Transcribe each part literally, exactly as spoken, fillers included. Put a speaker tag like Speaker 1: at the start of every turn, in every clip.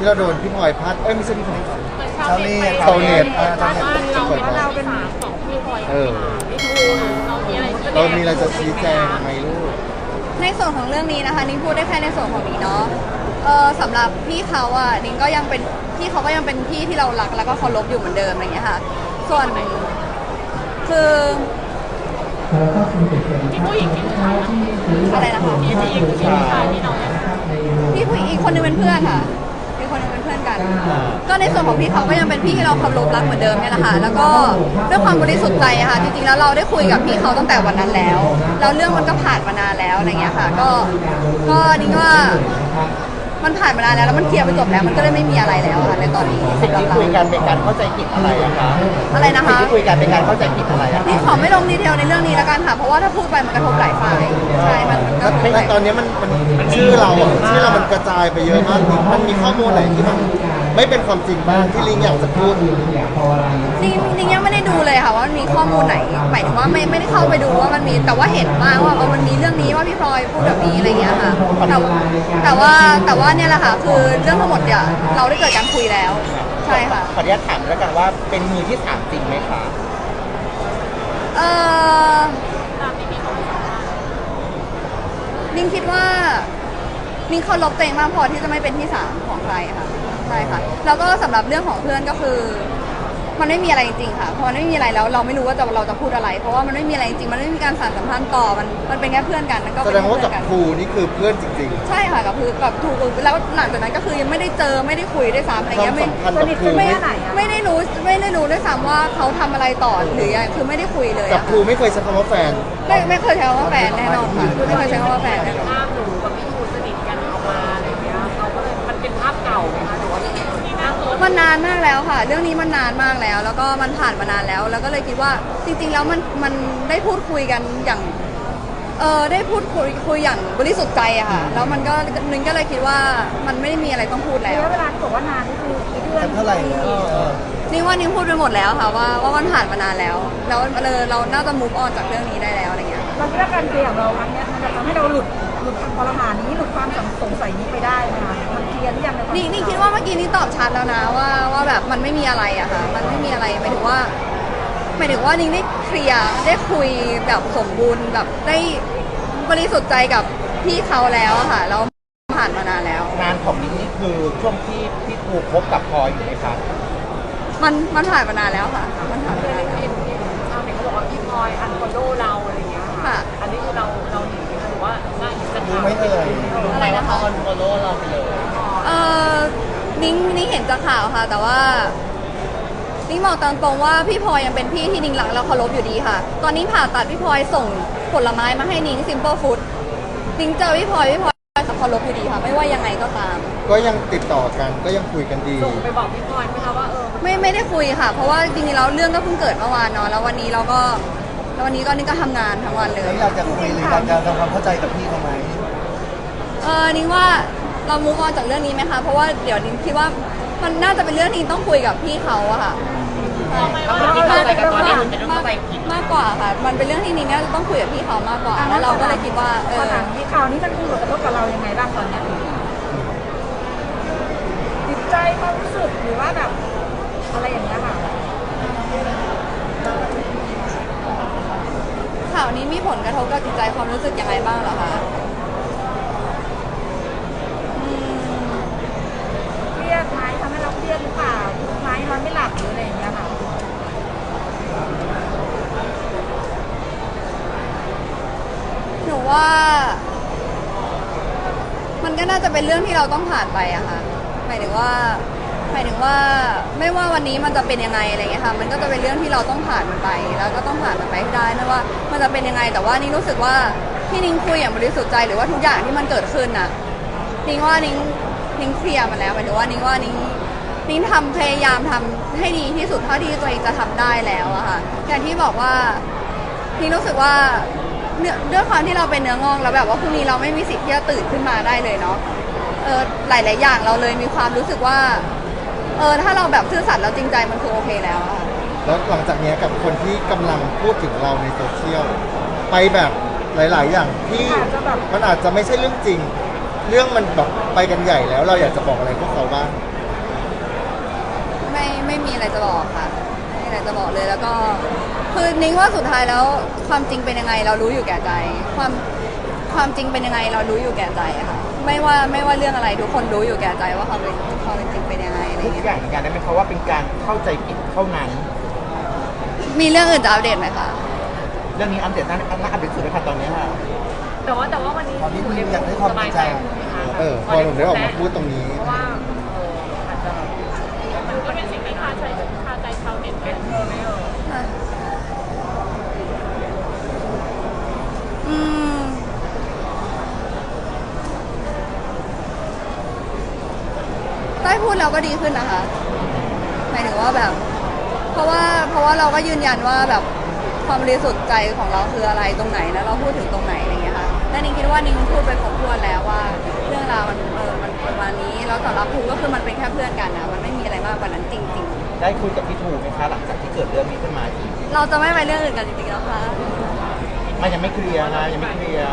Speaker 1: ที่เราโดนพี่พลอยพัดเอ้ยไม่ใช่พี่พลอย
Speaker 2: ชาวเน็ต
Speaker 1: ชาวเน็ต
Speaker 2: อ่าชาวเน็ต
Speaker 3: เรา
Speaker 1: เปิด
Speaker 3: ว่า
Speaker 1: มา
Speaker 3: เราเป็นของพี่พลอย
Speaker 1: เออ
Speaker 3: ไม่ถูกเรามีอะไร
Speaker 1: เรามีอะไรจะชี้แจงไหมลูก
Speaker 4: ในส่วนของเรื่องนี้นะคะนิ้งพูดได้แค่ในส่วนของนี้เนาะเออสำหรับพี่เขาอ่ะนิ้งก็ยังเป็นพี่เขาก็ยังเป็นพี่ที่เรารักแล้วก็เคารพอยู่เหมือนเดิมอะไรอย่างเงี้ยค่ะส่วนคือ
Speaker 3: พี่ผู้หญิงที่ผู้ชายนะ
Speaker 4: อะไรนะคะ
Speaker 3: พี่ผู้หญิงที่ผู้ชายที่เราเนี่ย
Speaker 4: พี่ผู้หญิงอีกคนนึงเป็นเพื่อนค่ะอีกคนนึงเป็นเพื่อนกัน ก็ในส่วนของพี่เขาก็ยังเป็นพี่ที่เราเคารพรักเหมือนเดิมเนี่ยแหละค่ะแล้วก็ด้วยความบริสุทธิ์ใจอะค่ะจริงๆแล้วเราได้คุยกับพี่เขาตั้งแต่วันนั้นแล้วแล้วเรื่องมันก็ผ่านมานานแล้วอะไรเงี้ยค่ะก็ก็นิ้งว่ามันผ่านมานานแล้วแล้วมันเคลียร์ไปจบแล้วมันก็เลยไม่มีอะไรแล้วค่ะในตอนนี้
Speaker 2: สิ่ง
Speaker 4: สำหรับ
Speaker 2: ที่
Speaker 4: เรา
Speaker 2: คุยกันเป็นการเข้าใจผิดอะไรอะคะ
Speaker 4: อะไรนะคะ
Speaker 2: สิ่งที่คุยกันเป็นการเข้าใจผิดอะไรอะ
Speaker 4: นี่
Speaker 2: คะ
Speaker 4: ขอไม่ลงดีเทลในเรื่องนี้แล้วกันค่ะ เพราะว่าถ้าพูดไปมันกระทบหลายฝ่ายใช่มันมันก็
Speaker 1: แล้วในตอนนี้มันมันชื่อเราอะชื่อเรามันกระจายไปเยอะมากมันมีข้อมูลไหนที่มันไม่เป็นความจริงบ้างที่ลิงอยากจะพูด
Speaker 4: นี่นี่ยังไม่ได้ดูเลยค่ะว่ามันมีข้อมูลไหนหมายถึงว่าไม่ไม่ได้เข้าไปดูว่ามันมีแต่ว่าเห็นมากว่าเออมันมีเรื่องนี้ว่าพี่พลอยพูดแบบนี้อะไรเงี้ยค่ะแต่แต่ว่าแต่ว่าเนี่ยแหละค่ะคือเรื่องทั้งหมดเนี่ยเราได้เกิดการคุยแล้วใช่ค่ะ
Speaker 2: ขออนุญาตถามแล้วกันว่าเป็นมือที่สามจริงไหมคะ
Speaker 4: เออ
Speaker 3: ตามที่พี่เขาบอกว่า
Speaker 4: นิ่งคิดว่านิ่งเคารพตัวเองมากพอที่จะไม่เป็นที่สามของใครค่ะใช่ค่ะแล้วก็สำหรับเรื่องของเพื่อนก็คือ มันไม่มีอะไรจริงๆค่ะพอมันไม่มีอะไรแล้วเราไม่รู้ว่าจะเราจะพูดอะไร เพราะว่ามันไม่มีอะไรจริงมันไม่มีการสานสัมพันธ์ต่อมันมันเป็นแค่เพื่อนกันมันก็
Speaker 1: แส
Speaker 4: เป็น
Speaker 1: ดงว่า
Speaker 4: เพื่
Speaker 1: กับ
Speaker 4: อนกัน
Speaker 1: ครูนี่คือเพื่อนจริง
Speaker 4: ใช่ค่ะกับคือกับถูกแล้วหลังจากนั้นก็คือยังไม่ได้เจอไม่ได้คุยด้วยซ้ำอะไร
Speaker 1: ๆความ
Speaker 4: เงี้ยไม่
Speaker 1: สัมพันธ์กับครู
Speaker 4: ไม่
Speaker 1: ไม่
Speaker 4: ไม่ได้รู้ไม่ได้รู้ด้วยซ้ำว่าเขาทำอะไรต่อหรือยังคือไม่ได้คุยเลย
Speaker 1: กับ
Speaker 4: อะ
Speaker 1: ครูไม่เคยใช้คำว่าแฟน
Speaker 4: ไม่ไม่เคยใช้คำว่าแฟนแน่นอนค่ะไม่เคยใช้คำว่าแฟนแน่นอน
Speaker 3: ภาพหนูกับพี่ทูสนิทกันออกมาอะไรเงี้ยเขาก็เลยมันเป็นภาพเก่าไหมคะหรือว่าที่น่าตัว
Speaker 4: มันนานมากแล้วค่ะ เรื่องนี้มันนานมากแล้ว แล้วก็มันผ่านมานานแล้ว แล้วก็เลยคิดว่าจริงๆแล้วมันมันได้พูดคุยกันอย่างเออได้พูดคุยคุยอย่างบริสุทธิ์ใจอะค่ะแล้วมันก็นึงก็เลยคิดว่ามันไม่ได้มีอะไรต้องพูดแล้ว
Speaker 5: ระยะเวลาที่บอกว่านานนี่คือกี่เดือน
Speaker 2: เท่าไหร่เนี่ย
Speaker 4: นี่ว่านิ้งพูดไปหมดแล้วค่ะว่าว่ามันผ่านมานานแล้ว แล้วเออเราน่าจะ move on จากเรื่องนี้ได้แล้วอะไรเงี้ย
Speaker 5: เราคิดว่าการเคลียร์ของเราครั้งเนี้ยมันจะทำให้เราหลุดหลุดคำคอรหานี้หลุดความสงสัยนี้ไปได้ไหมคะมันเคลียร์หรือยังในความ
Speaker 4: นี่นี่คิดว่าเมื่อกี้นี่ตอบชัดแล้วนะว่าว่าแบบมันไม่มีอะไรอะค่ะ มันไม่มีอะไรหมายถึงว่าหมายถึงว่านิ้งได้เคลียร์ได้คุยแบบสมบูรณ์แบบได้บริสุทธิ์ใจกับพี่เขาแล้วอะค่ะแล้วผ่านมานานแล้ว
Speaker 2: งานของนิ้งนี่คือช่วงที่พี่ครูพบกับพลอยอยู่ไหมคะ
Speaker 4: มันมันผ่านมานานแล้วค่ะ มันผ่านมานานแล้ว
Speaker 3: เห็นเห็นชาวเน็ตเขาบอกว่าพี่พลอยอันฟอลโล่เราอะไรเงี้ย
Speaker 4: ค่ะ
Speaker 3: อันนี้คือเราเราหนีไหมคะหรือว่าน่าจะ
Speaker 2: รู้ไหมเอ่ย
Speaker 4: อะไรนะคะ
Speaker 2: อันฟอลโล่เราไปเลย
Speaker 4: เออนิ้งนิ้งเห็นจากข่าวค่ะ แต่ว่านิ้งบอกตามตรงว่าพี่พลอยยังเป็นพี่ที่นิ้งรักและเคารพอยู่ดีค่ะ ตอนนี้ผ่าตัดพี่พลอยส่งผลไม้มาให้นิ้ง simple food นิ้งเจอพี่พลอยพี่พลอยเคารพอยู่ดีค่ะ ไม่ว่ายังไงก็ตาม
Speaker 1: ก็ยังติดต่อกันก็ยังคุยกันดี
Speaker 3: ส่งไปบอกพี่พลอยไหมคะว่าเออ
Speaker 4: ไม่ไม่ได้คุยค่ะ เพราะว่าจริงๆแล้วเรื่องก็เพิ่งเกิดเมื่อวานเนาะแล้ววันนี้เราก็แล้ววันนี้ก็นี่ก็ทำงานทั้งวันเลย
Speaker 2: อยากจะคุยหรืออยากจะทำความเข้าใจกับพี่เขาไหม
Speaker 4: เออนิ้งว่าเรามูฟออนจากเรื่องนี้ไหมคะเพราะว่าเดี๋ยวนิ้งคิดว่ามันน่าจะเป็นเรื่องที่ต้องคุยกับพี่เขาอะค่ะ
Speaker 3: ที่เข้าใจกันตอนนี้มันเป็นเรื่อง
Speaker 4: มาก
Speaker 3: เข้าใจผิด
Speaker 4: มากกว่าค่ะ มันเป็นเรื่องที่นิ้งน่าจะต้องคุยกับพี่เขามากกว่า แล้วเราก็เลยคิดว่าเอ
Speaker 5: ข
Speaker 4: อ
Speaker 5: นาดที่ข่าวนี้มันมีผลกระทบกับเรายังไงบ้างตอนเนี้ยจิตใจความรู้สึกหรือว่าแบบอะไรอย่างเงี้ยค่ะ
Speaker 4: ข่าวนี้มีผลกระทบกับจิตใจความรู้สึกยังไงบ้างเหรอคะอืม
Speaker 5: เครียดไหมทำให้เราเครียดหรือเปล่าทุกข์ไหมนอนไม่หลับหรืออะไรอย่างเงี้ยค่ะ
Speaker 4: หนูว่า มันก็น่าจะเป็นเรื่องที่เราต้องผ่านไปอะค่ะหมายถึงว่าหมายถึงว่าไม่ว่าวันนี้มันจะเป็นยังไงอะไรเงี้ยค่ะ มันก็จะเป็นเรื่องที่เราต้องผ่านมันไป แล้วก็ต้องผ่านมันไปให้ได้ไม่ว่ามันจะเป็นยังไง แต่ว่านี่รู้สึกว่าที่นิ้งคุยอย่างบริสุทธิ์ใจหรือว่าทุกอย่างที่มันเกิดขึ้นน่ะนิ้งว่านิ้งนิ้งเคลียร์มันแล้วหมายถึงว่านิ้งว่านิ้งนิ้งทำพยายามทำให้ดีที่สุดเท่าที่ตัวเองจะทำได้แล้วอะค่ะอย่างที่บอกว่านิ้งรู้สึกว่าเนื่องด้วยความที่เราเป็นเนื้องอกแล้วแบบว่าพรุ่งนี้เราไม่มีสิทธิ์ที่จะตื่นขึ้นมาได้เลยเนาะเออหลายๆอย่างเราเลยมีความรู้สึกว่าเออถ้าเราแบบซื่อสัตย์แล้วจริงใจมันคือโอเคแล้วอะ
Speaker 1: แล้วหลังจากนี้กับคนที่กำลังพูดถึงเราในโซเชียลไปแบบหลาย ๆ อย่างที่มันอาจจะไม่ใช่เรื่องจริง เรื่องมันแบบไปกันใหญ่แล้วเราอยากจะบอกอะไรพวกเขาบ้าง
Speaker 4: อะไรจะบอกค่ะไม่มีอะไรจะบอกเลยแล้วก็คือนิ้งว่าสุดท้ายแล้วความจริงเป็นยังไงเรารู้อยู่แก่ใจ ความความจริงเป็นยังไงเรารู้อยู่แก่ใจอะค่ะไม่ว่าไม่ว่าเรื่องอะไรทุกคนรู้อยู่แก่ใจว่าความเป็นความเป็นจริงเป็นยังไงอะไร
Speaker 2: ทุก
Speaker 4: เงี้ย
Speaker 2: อย่างเหมือนกันได้ไหมคะว่าเป็นการเข้าใจผิดเท่านั้น
Speaker 4: มีเรื่องอื่นจะอัปเดตไหมคะ
Speaker 2: เรื่องนี้อัปเดตน่าน่าอัปเดตสุดเลยค่ะตอนนี้ค่ะ
Speaker 3: แต่ว่าแต่ว่าวันนี้
Speaker 1: ตอนนี้ลิงอยากได้ความ
Speaker 3: ส
Speaker 1: จ
Speaker 3: บา
Speaker 1: ริ
Speaker 3: ย
Speaker 1: ง
Speaker 3: ใจ
Speaker 1: ใจ
Speaker 3: ขึ้นไหมคะ
Speaker 1: เออพอหนูได้ออกมาพูดตรงนี้
Speaker 3: เพราะว่าเอออาจจะแบบมันก็เป็นสิ่งที่คาใจคาใจชาวเน็ตเป็นเออไม่เออ
Speaker 4: อ่ะอืมได้พูดแล้วก็ดีขึ้นนะคะหมายถึงว่าแบบ เพราะว่าเพราะว่าเราก็ยืนยันว่าแบบความบริสุทธิ์ใจของเราคืออะไรตรงไหนแล้วเราพูดถึงตรงไหนอะไรเงี้ยค่ะและนิ้งคิดว่านิ้งพูดไปครบถ้วนแล้วว่าเรื่องราวมันเออมันประมาณนี้แล้วสำหรับภูก็คือมันเป็นแค่เพื่อนกันนะมันไม่มีอะไรมากกว่านั้นจริง
Speaker 2: ได้คุยกับพี่ทูไหมคะหลังจากที่เกิดเรื่องนี้ขึ้นมาอีก
Speaker 4: ๆ เราจะไม่ไปเรื่องอื่นกันจริงๆแล้วค่ะ
Speaker 2: มันยังไม่เคลียร์นะยังไม่เคลียร์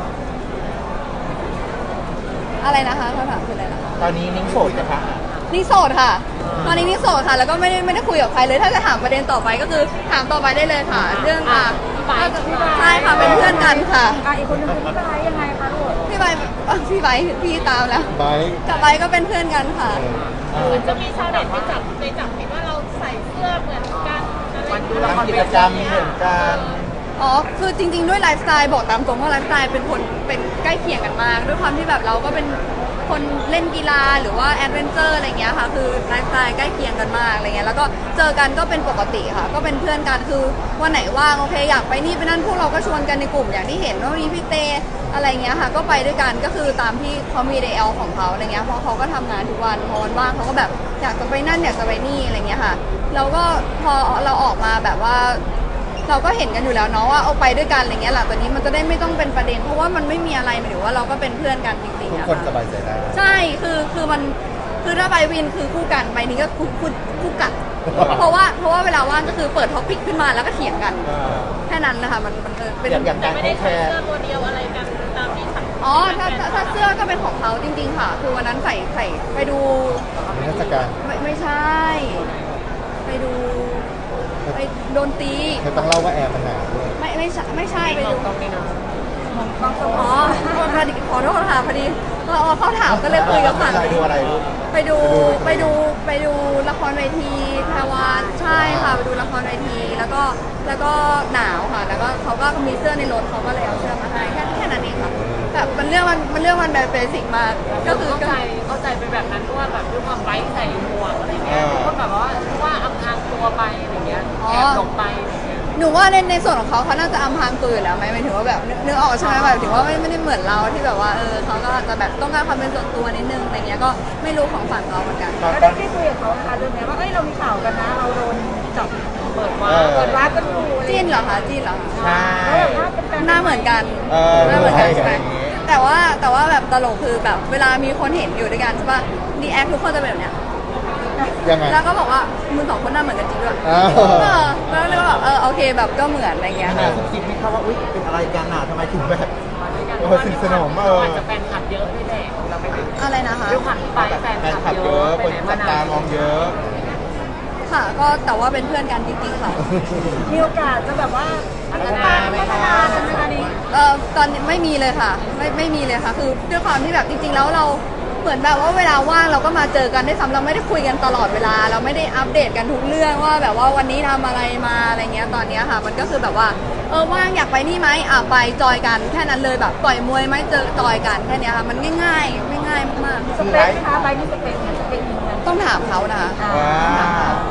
Speaker 4: อะไรนะคะคำถามคืออะไรนะคะ
Speaker 2: ตอนนี้นิ้งโสดนะคะ
Speaker 4: นี่โสดค่ะ ตอนนี้นี่โสดค่ะ แล้วก็ไม่ได้ไม่ได้คุยกับใครเลย ถ้าจะถามประเด็นต่อไปก็คือถามต่อไปได้เลยค่ะ เรื่องอ่ะใช่ค่ะ เป็นเพื่อนกันค่ะ
Speaker 5: อ่ะอีกคนนึงคือพี่ไบร์ทยังไงคะลูก
Speaker 4: พี่ใบเอ่อพี่ใบพี่ตามแล้ว
Speaker 1: ไบร์ท
Speaker 4: กับใบก็เป็นเพื่อนกันค่ะ
Speaker 2: เออ
Speaker 3: มันจะมีชาวเน็ตไปจับไปจับผิดว่าเราใส่เสื้อเหมือนกันอะไรอย่างเงี้ย
Speaker 2: ทำกิจกรรมเหมือนกัน
Speaker 4: อ๋อ คือจริง ๆ ด้วยไลฟ์สไตล์บอกตามตรงว่าไลฟ์สไตล์เป็นคนเป็นใกล้เคียงกันมาก ด้วยความที่แบบเราก็เป็นคนเล่นกีฬาหรือว่าแอดเวนเจอร์อะไรเงี้ยค่ะ คือไลฟ์สไตล์ใกล้เคียงกันมากอะไรเงี้ย แล้วก็เจอกันก็เป็นปกติค่ะ ก็เป็นเพื่อนกัน คือวันไหนว่างโอเคอยากไปนี่ไปนั่นพวกเราก็ชวนกันในกลุ่มอย่างที่เห็นว่ามีพี่เตอะไรเงี้ยค่ะ ก็ไปด้วยกัน ก็คือตามที่เขามีเดลของเขาอะไรเงี้ย เพราะเขาก็ทำงานทุกวัน พอวันว่างเขาก็แบบอยากจะไปนั่นอยากจะไปนี่อะไรเงี้ยค่ะ แล้วก็พอเราออกมาแบบว่า เราก็เห็นกันอยู่แล้วเนาะว่าเอาไปด้วยกันอะไรเงี้ยหลังจากนี้มันจะได้ไม่ต้องเป็นประเด็น เพราะว่ามันไม่มีอะไรหมายถึงว่าเราก็เป็นเพื่อนกันจริงๆ
Speaker 1: ทุก
Speaker 4: อะ
Speaker 1: คนส
Speaker 4: ค่ะ
Speaker 1: บายใจได้
Speaker 4: ใช่คือคือมันคือถ้าไปวินคือคู่กันไปนี้ก็คู่คู่คู่กัด เพราะว่าเพราะว่าเวลาว่างก็คือเปิดท็อปิกขึ้นมาแล้วก็เถียงกัน
Speaker 2: เออ
Speaker 4: แค่นั้นนะคะมันมันเออเป็น
Speaker 2: อย่างอย่างการ
Speaker 3: ไม่
Speaker 2: เขา
Speaker 3: ได้
Speaker 2: แช
Speaker 3: ใส่
Speaker 2: ร์
Speaker 3: เสื้อตัวเดียวอะไรกันตามที่สัง
Speaker 4: อ๋อถ้าถ้าถ้าเสื้อก็เป็นของเขาจริง ๆ ค่ะ คือวันนั้นใส่ใส่ไปดู
Speaker 1: นิทรรศการ
Speaker 4: ไม่ไม่ใช่ ไปดูไปโดนตี
Speaker 1: เธอต้องเล่าว่าแอร์มันหนาวด้วย
Speaker 4: ไม่ไม่ใช่ไม่ใช่ไป
Speaker 3: มอ
Speaker 4: ดู
Speaker 3: งตรงนี้นะ
Speaker 5: บางคน
Speaker 4: อ๋อพอดีขอโทษค่ะพอดีเราเขาถามก็เลยคุยกับผ่าน
Speaker 2: อะไรดูอะไรลูก
Speaker 4: ไปดูไปดูไปดูละครเวทีแพรวานใช่ค่ะไปดูละครเวทีแล้วก็แล้วก็หนาวค่ะ แล้วก็เขาก็มีเสื้อในรถเขาก็เลยเอาเสื้อมาให้แค่แค่นั้นเองค่ะแบบมันเรื่องมันมันเรื่องมันแบบเบสิกมาก
Speaker 3: ก็
Speaker 4: ก็
Speaker 3: คื
Speaker 4: คือ อ
Speaker 3: เข้าใจเข้าใจไปแบบนั้นเพราะว่าแบบด้วยความไร้ใส่หมวกอะไรเงี้ยก็แบบว่าว่าอำพรางตัวไปอะไรเงี้ยแอบหลบไปอะไรเงี้ย
Speaker 4: หนูว่าในในส่วนของเขาเขาน่าจะอำพรางตัวอยู่แล้วไหมหมายถึงว่าแบบนึกนึกออกใช่ไหมแบบถึงว่าไม่ไม่ได้เหมือนเราที่แบบว่าเออเขาก็อาจจะแบบต้องการความเป็นส่วนตัวนิดนึงอะไรเงี้ยก็ไม่รู้ของฝั่งเขาเหมือนกัน
Speaker 2: ตอน
Speaker 5: แล้ว
Speaker 2: ต
Speaker 5: ได้
Speaker 2: อน
Speaker 5: ได้คุยกับเขานะคะเรื่องนี้ว่าเอ้ยเรามีข่าวกันนะ เราโดนจับ
Speaker 3: เปิดว่า
Speaker 2: เออ
Speaker 5: เปิดร้านกันอยู่อะไร
Speaker 4: จีนเหรอคะจีนเหรอคะ
Speaker 2: ใช่
Speaker 5: แล้วแบบว่าเป็นแฟน
Speaker 4: หน้าเหมือนกัน
Speaker 2: เออ
Speaker 4: หน้าเหมือนกันใช่ไหม
Speaker 2: อย่างงี้
Speaker 4: แต่ว่าแต่ว่าแบบตลกคือแบบเวลามีคนเห็นอยู่ด้วยกันใช่ป่ะดีแอคทุกคนจะเป็นแบบเนี้ย
Speaker 1: ยังไง
Speaker 4: แล้วก็บอกว่ามึงสองคนหน้าเหมือนกันจริงด้วย
Speaker 1: อ้าว
Speaker 4: เออแล้วเลยก็แบบเออโอเคแบบก็เหมือนอะไรเงี้ย
Speaker 2: ขนาดซุบซิบไม่เข้าว่าอุ้ยเป็นอะไรกันอ่ะทำไมถึงแบบ
Speaker 3: กัน
Speaker 2: เออสนิทสนมเออ
Speaker 3: อาจจะแฟนคลับเยอะด้วยแหละเราไปไหน
Speaker 4: อะไรนะคะ
Speaker 3: ด้วยความที่ไปแฟน
Speaker 2: แฟน
Speaker 3: ค
Speaker 2: คลั
Speaker 3: ลั
Speaker 2: บบ เย
Speaker 3: เย
Speaker 2: อะ
Speaker 3: อะ
Speaker 2: คน
Speaker 3: ไปไหน
Speaker 2: จั
Speaker 3: มา
Speaker 2: บ
Speaker 3: ไหน
Speaker 2: ตามองเยอะ
Speaker 4: ค่ะ ก็แต่ว่าเป็นเพื่อนกันจริงๆค่ะ
Speaker 5: มีโอกาสจะแบบว่าพัฒนาพัฒนากันไหมคะนี้
Speaker 4: เออตอนนี้ไม่มีเลยค่ะ ไม่ไม่มีเลยค่ะ คือด้วยความที่แบบจริงๆแล้วเราเหมือนแบบว่าเวลาว่างเราก็มาเจอกันได้ซ้ำเราไม่ได้คุยกันตลอดเวลา เราไม่ได้อัปเดตกันทุกเรื่องว่าแบบว่าวันนี้ทำอะไรมาอะไรเงี้ยตอนเนี้ยค่ะ มันก็คือแบบว่าเออว่างอยากไปนี่ไหมอ่ะไปจอยกันแค่นั้นเลยแบบต่อยมวยไหมเจอจอยกันแค่เนี้ยค่ะมันง่ายๆง่ายๆมาก
Speaker 5: สเปคไหมคะไบร์ทมีสเปคไหมสเปคนี้กัน
Speaker 4: ๆต้องถามเขานะคะ
Speaker 2: ว้าว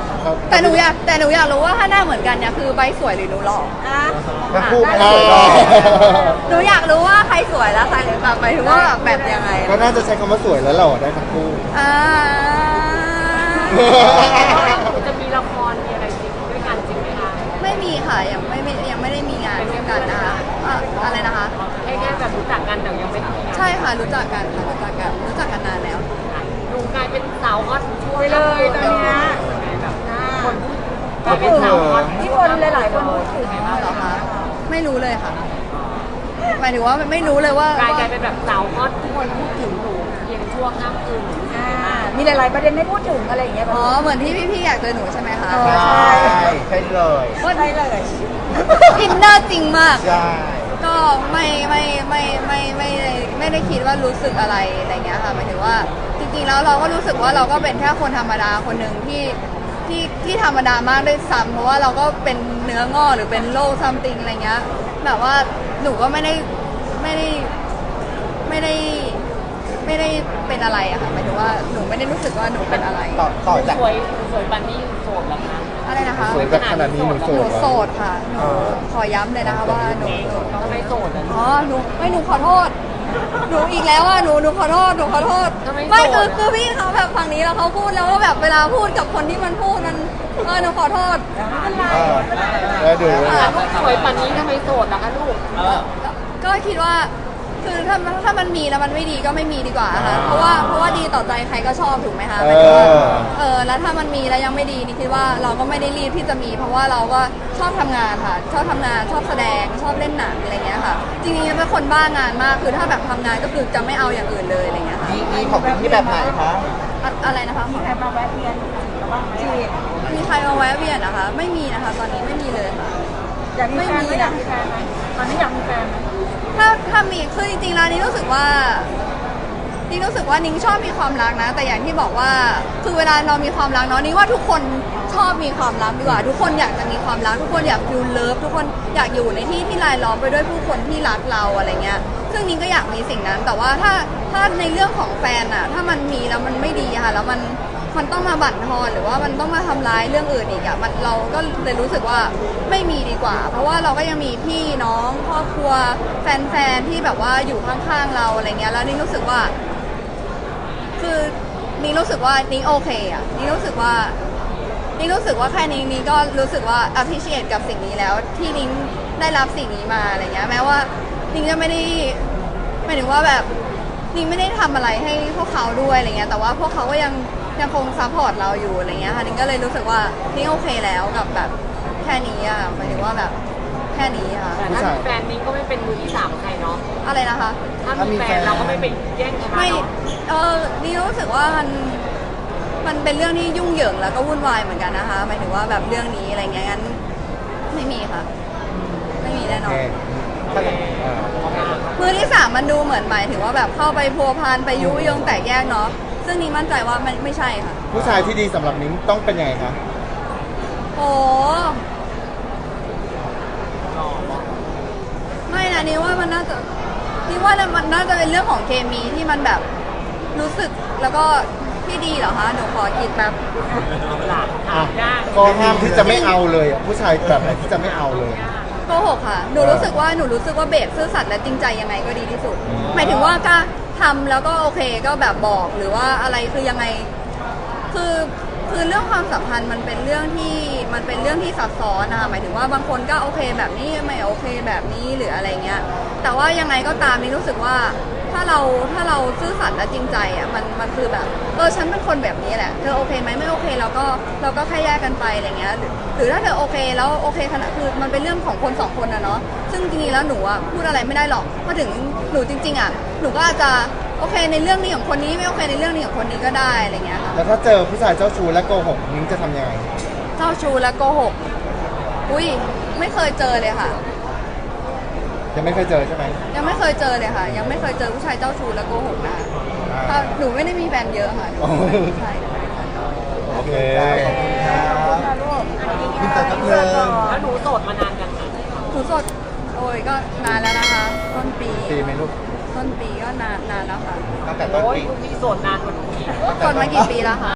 Speaker 4: แต่หนูอยากแต่หนูอยากรู้ว่าถ้าหน้าเหมือนกันเนี่ยคือใบสวยหรือหนูหล่อ
Speaker 5: อ่ะ
Speaker 2: ทั้งคู่ไม่
Speaker 1: อ่า
Speaker 2: สวยหรอก
Speaker 4: หนูอยากรู้ว่าใครสวยแล้วใครแบบหมายถึงว่าแบบแบบยังไง
Speaker 1: ก็น่าจะใช้คำว่าสวยแล้วหล่อได้ทั้งคู่
Speaker 4: อ่า
Speaker 3: จะมีละครมีอะไรจริงด้วยกันจริงไหมคะ
Speaker 4: ไม่มีค่ะยังไม่ไม่ยังไม่ได้มีงานร่วมกันนะคะอ่ะอะไรนะคะ
Speaker 3: แค่แค่แบบรู้จักกันแต่ยังไม่ทำงาน
Speaker 4: ใช่ค่ะรู้จักกันค่ะรู้จักกันรู้จักกันนานแล้ว
Speaker 3: ดูกลายเป็นสาวฮอตช่ว
Speaker 5: ไปเลยตอนเนี้ย
Speaker 3: แบบ
Speaker 5: อ่า
Speaker 3: คนพูดกลายเป็นสาวฮอต
Speaker 5: ที่คนหลายๆคนพูดถึง
Speaker 4: อ๋อเหรอคะไม่รู้เลยค่ะหมายถึงว่าไม่รู้เลยว่าก
Speaker 3: ลายกลายเป็นแบบสาวฮอตทุกคนพูดถึงหนูเพียงชั่วข้ามคืน
Speaker 5: อ่ามีหลาย ๆ ประเด็นให้พูดถึงอะไรอย่างเงี้ย
Speaker 4: อ๋อเหมือนที่พี่ๆอยากเจอหนูใช่ไหมคะ
Speaker 5: เออ
Speaker 2: ใช่ใช่เลย
Speaker 5: ใช่เลย
Speaker 4: อินเนอร์จริงมาก
Speaker 2: ใช่
Speaker 4: ก็ไม่ไม่ไม่ไม่ไม่ไม่ไม่ได้คิดว่ารู้สึกอะไรอะไรเงี้ยค่ะหมายถึงว่าจริงๆแล้วเราก็รู้สึกว่าเราก็เป็นแค่คนธรรมดาคนหนึ่งที่ที่ที่ธรรมดามากด้วยซ้ำเพราะว่าเราก็เป็นเนื้องอกหรือเป็นโรคซัมติงอะไรเงี้ยแบบว่าหนูก็ไม่ได้ไม่ได้ไม่ได้ไม่ได้เป็นอะไรอะค่ะหมายถึงว่าหนูไม่ได้รู้สึกว่าหนูเป็นอะไร
Speaker 2: ต่อต่อจาก
Speaker 3: สวยสวยปันนี้โสดเหรอคะ
Speaker 4: อะไรนะคะ
Speaker 1: สวยแบบขนาดนี้หนูโส
Speaker 4: หนู
Speaker 1: ดเหรอ
Speaker 4: โสดค่ะหนูขอย้ำเลยนะคะว่าหนูหนู
Speaker 3: ทำไมโสดอ่ะ
Speaker 4: อ๋อ หนูไม่หนูขอโทษ หนูอีกแล้วอ่ะ หนู หนูขอโทษ หนูขอโทษ
Speaker 3: ทำไม
Speaker 4: ไม่
Speaker 3: โส
Speaker 4: คือ
Speaker 3: ด
Speaker 4: คือพี่เขาแบบฝั่งนี้แล้วเขาพูดแล้วว่าแบบเวลาพูดกับคนที่มันพูดมันเออ หนูขอโทษ
Speaker 2: เออ
Speaker 1: แล้วดู
Speaker 3: อ่ะลูกสวยปันนี้ทำไมโสดล่ะคะลูก
Speaker 2: เออ
Speaker 4: ก็คิดว่า คือถ้าถ้ามันมีแล้วมันไม่ดีก็ไม่มีดีกว่าค่ะ เพราะว่า เพราะว่าดีต่อใจใครก็ชอบถูกไหมคะ
Speaker 1: เอ
Speaker 4: หมายถึงว่า
Speaker 1: อ
Speaker 4: เออ แล้วถ้ามันมีแล้วยังไม่ดีนี่คิดว่าเราก็ไม่ได้รีบที่จะมี เพราะว่าเราก็ชอบทำงานค่ะ ชอบทำงาน ชอบแสดง ชอบเล่นหนังอะไรเงี้ยค่ะ จริงๆเป็นคนบ้างานมาก คือถ้าแบบทำงานก็คือจะไม่เอาอย่างอื่นเลยอะไรเงี้ยค่ะ
Speaker 2: มีมีของพี่แบบไหนคะ
Speaker 4: อะอะไรนะคะ
Speaker 5: มีใครมาแวะเวียนหรือว่าจีบ
Speaker 4: มีใครมาแวะเวียนนะคะ ไม่มีนะคะ ตอนนี้ไม่มีเลยค่ะ
Speaker 5: อยากมีแฟนไหมอยากมีแฟนไหมตอนนี้อยากมีแฟนไหม
Speaker 4: ถ้าถ้ามีคือจริงๆแล้วนี่รู้สึกว่านี่รู้สึกว่านิ้งชอบมีความรักนะ แต่อย่างที่บอกว่าคือเวลาเรามีความรักเนาะนิ้งว่าทุกคนชอบมีความรักดีกว่า ทุกคนอยากจะมีความรัก ทุกคนอยากฟิลเลิฟทุกคนอยากอยู่ในที่ที่รายล้อมไปด้วยผู้คนที่รักเราอะไรเงี้ยซึ่งนิ้งก็อยากมีสิ่งนั้น แต่ว่าถ้าถ้าในเรื่องของแฟนอะถ้ามันมีแล้วมันไม่ดีอะค่ะแล้วมันมันต้องมาบั่นทอนหรือว่ามันต้องมาทำร้ายเรื่องอื่นอีกอะมันเราก็เลยรู้สึกว่าไม่มีดีกว่า เพราะว่าเราก็ยังมีพี่น้องครอบครัวแฟนๆที่แบบว่าอยู่ข้างๆเราอะไรเงี้ยแล้วนี่รู้สึกว่า คือนี่รู้สึกว่านี่โอเคอะนี่รู้สึกว่านี่รู้สึกว่าแค่นี้นี่ก็รู้สึกว่า appreciate กับสิ่งนี้แล้วที่นิ้งได้รับสิ่งนี้มาอะไรเงี้ยแม้ว่านิ้งจะไม่ได้หมายถึงว่าแบบนิ้งไม่ได้ทำอะไรให้พวกเขาด้วยอะไรเงี้ยแต่ว่าพวกเขาก็ยังยังคงซัพพอร์ตเราอยู่อะไรเงี้ยค่ะนิ้งก็เลยรู้สึกว่านิ้งโอเคแล้วกับแบบแค่นี้อะหมายถึงว่าแบบแค่นี้อะ
Speaker 3: แต่ถ้ามีแฟนนิ้งก็ไม่เป็นมือที่สามใครเนาะ
Speaker 4: อะไรนะคะ
Speaker 3: ถ้ามีแฟนเราก็ไม่ไปแย่งชนะ
Speaker 4: ไม่
Speaker 3: เนาะ
Speaker 4: เออนี่รู้สึกว่ามัน มันเป็นเรื่องที่ยุ่งเหยิงแล้วก็วุ่นวายเหมือนกันนะคะ หมายถึงว่าแบบเรื่องนี้อะไรเงี้ยงั้นไม่มีค่ะ ไม่มีแน่น
Speaker 1: โอ
Speaker 4: อ
Speaker 1: เคน
Speaker 4: มือที่สามมันดูเหมือนหมายถึงว่าแบบเข้าไปพัวพันไปยุยงแตกแยกเนาะ ซึ่งนี่มั่นใจว่ามันไม่ใช่ค่ะ
Speaker 1: ผู้ชายที่ดีสำหรับนิ้งต้องเป็นยังไงคะ
Speaker 4: โอ้ไม่นะนี่ว่ามันน่าจะนี่ว่ามันน่าจะเป็นเรื่องของเคมีที่มันแบบรู้สึกแล้วก็ที่ดีเหรอคะหนูขอคิดแบบ
Speaker 3: หลาน
Speaker 1: อ่ะ
Speaker 3: ยาก
Speaker 1: ก็ห้ามที่จะไม่เอาเลยอ่ะผู้ชายแบบไหนที่จะไม่เอาเลย
Speaker 4: โกหกค่ะ หนูรู้สึกว่าหนูรู้สึกว่าเบสซื่อสัตย์และจริงใจยังไงก็ดีที่สุด หมายถึงว่าก็ทำแล้วก็โอเคก็แบบบอกหรือว่าอะไรคือยังไง คือคือเรื่องความสัมพันธ์มันเป็นเรื่องที่มันเป็นเรื่องที่ซับซ้อนนะคะหมายถึงว่าบางคนก็โอเคแบบนี้ไม่โอเคแบบนี้หรืออะไรเงี้ย แต่ว่ายังไงก็ตามนี่รู้สึกว่าถ้าเราถ้าเราซื่อสัตย์และจริงใจอ่ะมันมันคือแบบเออฉันเป็นคนแบบนี้แหละเธอโอเคไหมไม่โอเคเราก็เราก็แค่แยกกันไปอะไรเงี้ยหรือหรือถ้าเธอโอเคแล้วโอเคขนาดคือมันเป็นเรื่องของคนสองคนนะเนาะซึ่งจริงๆแล้วหนูอ่ะพูดอะไรไม่ได้หรอกพอถึงหนูจริง ๆอ่ะหนูก็อาจจะโอเคในเรื่องนี้ของคนนี้ไม่โอเคในเรื่องนี้ของคนนี้ก็ได้อะไรเงี้ยค่ะ
Speaker 1: แล้วถ้าเจอผู้ชายเจ้าชู้และโกหกนิ้งจะทำยังไง
Speaker 4: เจ้าชู้และโกหกอุ้ยไม่เคยเจอเลยค่ะ
Speaker 1: ยังไม่เคยเจอใช่ไหม
Speaker 4: ยังไม่เคยเจอเลยค่ะ ยังไม่เคยเจอผู้ชายเจ้าชู้และโกหกนะถ้าหนูไม่ได้มีแฟนเยอะค่ะหนูใช่
Speaker 1: โอเค
Speaker 2: มีแต่กับเธอ
Speaker 3: แล้วหนูโสดมานานยังคะ
Speaker 4: หนูสดโอ้ยก็นานแล้วนะคะ ต้นปี
Speaker 1: ตีไหมลูก
Speaker 4: ต้นปีก็นานนานแล้วค่ะ
Speaker 2: ตั้งแต่ต้น
Speaker 3: โอ้ย
Speaker 2: ปี
Speaker 3: คุณมีโสดนานกว่าหนูอีก
Speaker 4: กดมากี่ปีแล้วคะ